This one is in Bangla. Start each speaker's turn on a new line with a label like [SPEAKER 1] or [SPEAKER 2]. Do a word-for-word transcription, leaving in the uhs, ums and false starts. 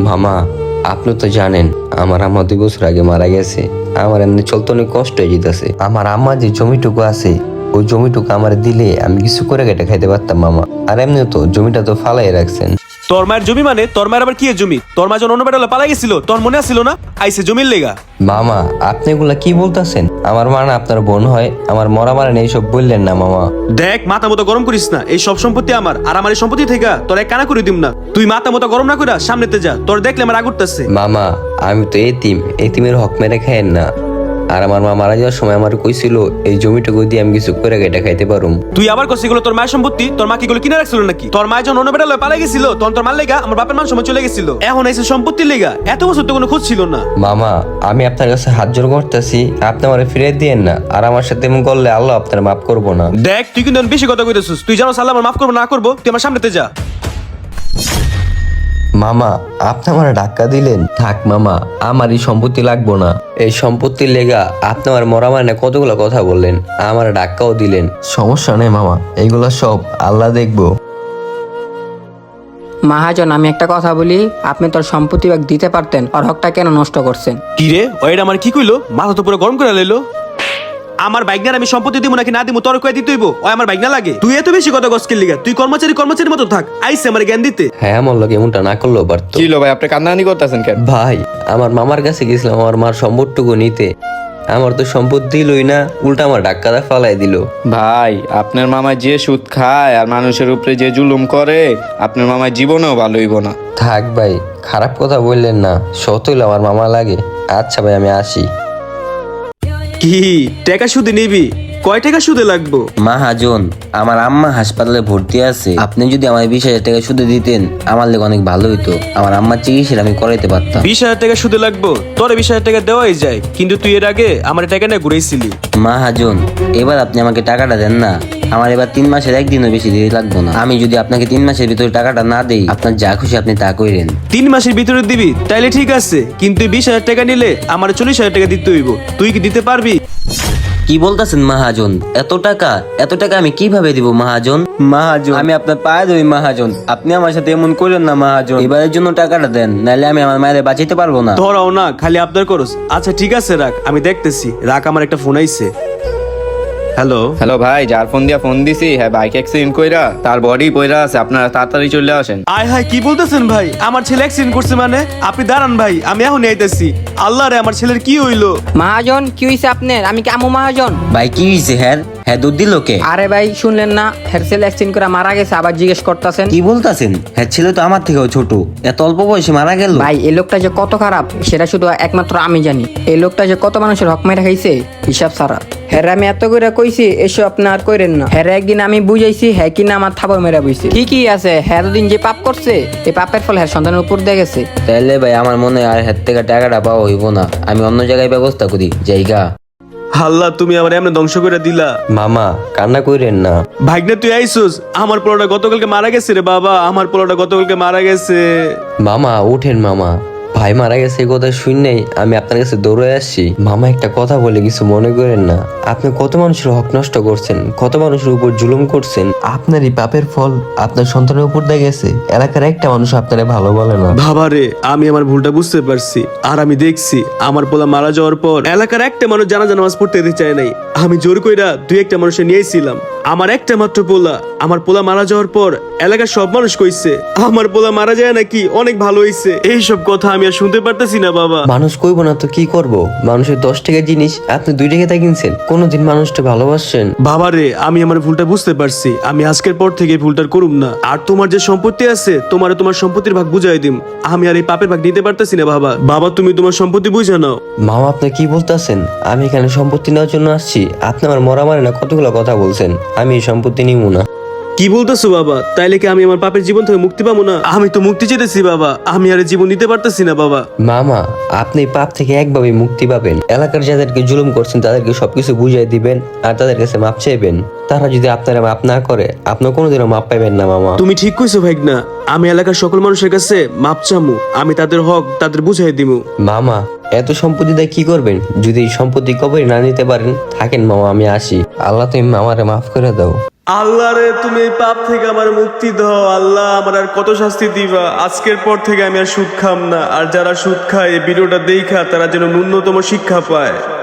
[SPEAKER 1] মামা, আপনি তো জানেন আমার আম্মা দুই বছর আগে মারা গেছে। আমার এমনি চলতে অনেক কষ্ট হয়ে যেতেছে। আমার আম্মা যে জমিটুকু আছে ওই জমিটুকু আমার দিলে আমি কিছু করে কেটে খাইতে পারতাম মামা। আর এমনি তো জমিটা তো ফালাই রাখছেন।
[SPEAKER 2] তোর মায়ের জমি মানে তোর মায়ের আবার কি এর জমি? তোর মা যখন অন্য বেড়ালে পালাই গেছিল তোর মনে আসছিল না আইসে জমির লেগা?
[SPEAKER 1] মামা, আপনি এগুলা কি বলতেছেন? আমার মা না আপনার বোন হয়, আমার মরা মারেন এইসব বললেন না মামা।
[SPEAKER 2] দেখ, মাথা মতো গরম করিস না। এই সব সম্পত্তি আমার, আর আমার এই সম্পত্তি থেকে তোর এক কানা করে দিম না। তুই মাথা মতো গরম না কইরা সামনেতে যা, তোর দেখলে আমার রাগ উঠতেছে।
[SPEAKER 1] মামা, আমি তো এতিম, এতিমের হক মেরে খাইেন না। আর আমার মা মারা যাওয়ার সময় আমার কইছিল এই জমিটুকু দিয়ে আমি কিছু করে কেটে খাইতে পারুম।
[SPEAKER 2] তুই আবার কইছিস এগুলো তোর মায়ের সম্পত্তি? তোর মা কি এগুলো কিনে রাখছিল নাকি? তোর মা যখন অন্য বেড়ালে পালাই গেছিল তখন তোর মার লেগা আমার বাপের মান সময় চলে গেছিল। এখন এসে সম্পত্তির লেগা এত বছর তো কোনো খোঁজ ছিল না।
[SPEAKER 1] মামা, আমি আপনার কাছে হাত জোর করতেছি, আপনি আমার ফিরে দিয়েন না। আর আমার সাথে এমন করলে আল্লাহ আপনার মাফ করবো না।
[SPEAKER 2] দেখ, তুই কিন্তু বেশি কথা কইতেছিস। তুই জানো আল্লাহ আমার মাফ করবো না করবো? তুই আমার সামনেতে যা।
[SPEAKER 1] মামা, আপনি আমার ধাক্কা দিলেন। থাক মামা, আমার এই সম্পত্তি লাগবো না। এই সম্পত্তির লেগা আপনি আমার মরা মানে কতগুলো কথা বললেন, আমার ধাক্কাও দিলেন। সমস্যা নেই মামা, এইগুলা সব আল্লাহ দেখবো।
[SPEAKER 3] মহাজন, আমি একটা কথা বলি, আপনি তোর সম্পত্তি ভাগ দিতে পারতেন, আর হকটা কেন নষ্ট করছেন?
[SPEAKER 2] কি রে, ওইটা আমার কি কইলো? মাথা তো পুরো গরম করে লইলো। আমার বাইকনার আমি সম্পত্তি দিব নাকি না দিব তোর কয়ে দিতে হইব? ওই আমার বাইকনা লাগে? তুই এত বেশি কথা গস্কের লিগা? তুই কর্মচারী কর্মচারীর মতো থাক। আইসে আমার জ্ঞান দিতে।
[SPEAKER 1] হ্যাঁ, আমার লোক এমনটা না করলেও পারতো।
[SPEAKER 4] কি লো ভাই, আপনি কান্নাকানি করতেছেন কেন?
[SPEAKER 1] ভাই, আমার মামার কাছে গেছিলাম আমার মার সম্পদটুকু নিতে। আমার তো সম্পদ দিলই না, উল্টা আমার ডাক্কাদা ফালাই দিল।
[SPEAKER 4] ভাই, আপনার মামা যে সুদ খায় আর মানুষের উপরে যে জুলুম করে, আপনার মামার জীবনেও ভালো হইব না।
[SPEAKER 1] থাক ভাই, খারাপ কথা বললেন না। সত হইলে আমার মামা লাগে। আচ্ছা ভাই, আমি আসি।
[SPEAKER 2] কি টাকা সুদে নিবি? কয় টাকা সুদে লাগবো?
[SPEAKER 1] মাহাজন, আমার আম্মা হাসপাতালে ভর্তি আছে। আপনি যদি আমার বিশ হাজার টাকা সুদে দিতেন আমার লেগে অনেক ভালো হইতো। আমার আম্মার চিকিৎসা আমি করাইতে পারতাম।
[SPEAKER 2] বিশ হাজার টাকা সুদে লাগবো? তোর বিশ হাজার টাকা দেওয়াই যায়, কিন্তু তুই এর আগে আমার টাকা নিয়ে ঘুরেছিলি।
[SPEAKER 1] মাহাজন, এবার আপনি আমাকে টাকাটা দেন না। আমার এবার তিন মাসের একদিনও বেশি দেরি লাগবো না। আমি যদি আপনাকে তিন মাসের ভিতরে টাকাটা না দেই, আপনার যা খুশি আপনি তা কইরেন।
[SPEAKER 2] তিন মাসের ভিতরে দিবি তাইলে ঠিক আছে, কিন্তু বিশ হাজার টাকা নিলে আমার চল্লিশ হাজার টাকা দিতে হইব। তুই কি দিতে পারবি?
[SPEAKER 1] কি বলতেছেন মাহাজন? এত টাকা এত টাকা আমি কিভাবে দিব মাহাজন? মাহাজন, আমি আপনার পায়ে ধরি মাহাজন, আপনি আমার সাথে এমন করেন না মাহাজন। এবারের জন্য টাকাটা দেন, নাহলে আমি আমার মায়ের বাঁচাইতে পারবো না।
[SPEAKER 2] ধরাও না, খালি আবদার করস। আচ্ছা ঠিক আছে, রাখ, আমি দেখতেছি। রাখ, আমার একটা ফোন আইছে। হ্যালো
[SPEAKER 4] হ্যালো ভাই, যার ফোন দিয়া ফোন দিছি, হ্যাঁ বাইক অ্যাক্সিডেন্ট কইরা তার বডি পইরা আছে, আপনারা তাড়াতাড়ি চলে আসেন।
[SPEAKER 2] আয় হায়, কি বলতেছেন ভাই? আমার ছেলে অ্যাক্সিডেন্ট করছে মানে? আপনি দাঁড়ান ভাই, আমি এখন আইতেছি। আল্লাহ রে, আমার ছেলের কি হইলো?
[SPEAKER 3] মহাজন, কি হয়েছে আপনার? আমি কি আমু মহাজন?
[SPEAKER 1] ভাই কি হয়েছে? হ্যাঁ হ্যাঁ, দুধ দিল কে?
[SPEAKER 3] আরে ভাই, শুনলেন না হেরসেল অ্যাক্সিডেন্ট করে মারা গেছে, আবার জিজ্ঞেস করতেছেন?
[SPEAKER 1] কি বলতাছেন? হ্যাঁ, ছেলে তো আমার থেকেও ছোট, এত অল্প বয়সে মারা গেল।
[SPEAKER 3] ভাই, এই লোকটা যে কত খারাপ সেটা শুধু একমাত্র আমি জানি। এই লোকটা যে কত মানুষের হক মেরে খাইছে হিসাব ছাড়া। হ্যাঁ, আমি এত করে কইছি এসব আপনি আর কইরেন না। হ্যাঁ, একদিন আমি বুঝাইছি, হ্যাঁ কিনা আমার থাবর মেরা বইছে। ঠিকই আছে, হ্যাঁ এতদিন যে পাপ করছে এই পাপের ফল হ্যাঁ সন্তানের উপর দিয়ে গেছে।
[SPEAKER 1] তাইলে ভাই আমার মনে হয় আর হাত থেকে টাকাটা পাওয়া হইব না। আমি অন্য জায়গায় ব্যবস্থা করি জায়গা।
[SPEAKER 2] আল্লাহ, তুমি আমার এমনি ধ্বংস করে দিলা।
[SPEAKER 1] মামা, কান্না কইরেন না।
[SPEAKER 2] ভাগ্নে তুই আইসুস? আমার পোলাটা গতকালকে মারা গেছে রে বাবা, আমার পোলাটা গতকালকে মারা গেছে।
[SPEAKER 1] মামা উঠেন মামা, ভাই মারা গেছে এই কথা শুনলেই আমি আপনার কাছে দৌড়ে আসছি। মামা, একটা কথা বলে কিছু মনে করেন না। আপনি কত মানুষের হক নষ্ট করছেন, কত মানুষের উপর জুলুম করছেন। আপনার এই পাপের ফল আপনার সন্তানের উপর দিয়ে গেছে। এলাকার একটা মানুষ আপনারে ভালো বলে না।
[SPEAKER 2] বাবারে, আমি আমার ভুলটা বুঝতে পারছি। আর আমি দেখছি আমার পোলা মারা যাওয়ার পর এলাকার একটা মানুষ জানাজা নামাজ পড়তে দিতে চায় নাই। আমি জোর কইরা দুই একটা মানুষে নিয়েছিলাম। আমার একটা মাত্র পোলা, আমার পোলা মারা যাওয়ার পর এলাকার সব মানুষ কইছে আমার পোলা মারা যায় নাকি অনেক ভালো হইছে। এইসব কথা আমি আর শুনতে পারতেছি না বাবা।
[SPEAKER 1] মানুষ কইব না তো কি করব? মানুষের দশ টাকা জিনিস আপনি দুই টাকা কিনছেন। কোনোদিন মানুষটা ভালোবাসছেন?
[SPEAKER 2] বাবারে, আমি আমার ভুলটা বুঝতে পারছি। আমি আজকের পর থেকে এই ভুলটার করুম না। আর তোমার যে সম্পত্তি আছে তোমার তোমার সম্পত্তির ভাগ বুঝাই দিম। আমি আর এই পাপের ভাগ নিতে পারতেছি না বাবা। বাবা, তুমি তোমার সম্পত্তি বুঝে নাও।
[SPEAKER 1] মামা, আপনি কি বলতেছেন? আমি এখানে সম্পত্তি নেওয়ার জন্য আসছি? আপনি আমার মরা মানে না কতগুলো কথা বলছেন। আমি এই সম্পত্তি নিব না।
[SPEAKER 2] কি বলতেছো বাবা? তাইলে কি আমি আমার পাপের জীবন থেকে মুক্তি পাবো না? আমি তো মুক্তি চেয়েছি বাবা, আমি আর এই জীবন নিতে পারতেছি না বাবা।
[SPEAKER 1] মামা, আপনি পাপ থেকে একভাবে মুক্তি পাবেন। এলাকার যাদেরকে জুলুম করছেন তাদেরকে সবকিছু বুঝিয়ে দিবেন আর তাদের কাছে মাপ চাইবেন। তারা যদি আপনারা মাপ না করে আপনি কোনোদিনও মাপ পাইবেন না মামা।
[SPEAKER 2] তুমি ঠিক কইছো ভাইগনা, আমি এলাকার সকল মানুষের কাছে মাপ চামু। আমি তাদের হক তাদের বুঝাই দিমু।
[SPEAKER 1] মামা, এত সম্পত্তি দিয়ে কি করবেন? যদি এই সম্পত্তি কবরে না নিতে পারেন থাকেন মামা, আমি আসি। আল্লাহ তুমি মামারে মাফ করে দাও।
[SPEAKER 2] আল্লাহ রে, তুমি এই পাপ থেকে আমার মুক্তি দাও। আল্লাহ, আমার আর কত শাস্তি দিবা? আজকের পর থেকে আমি আর সুদ খাম না। আর যারা সুদ খায় এই ভিডিওটা দেখা তারা যেন ন্যূনতম শিক্ষা পায়।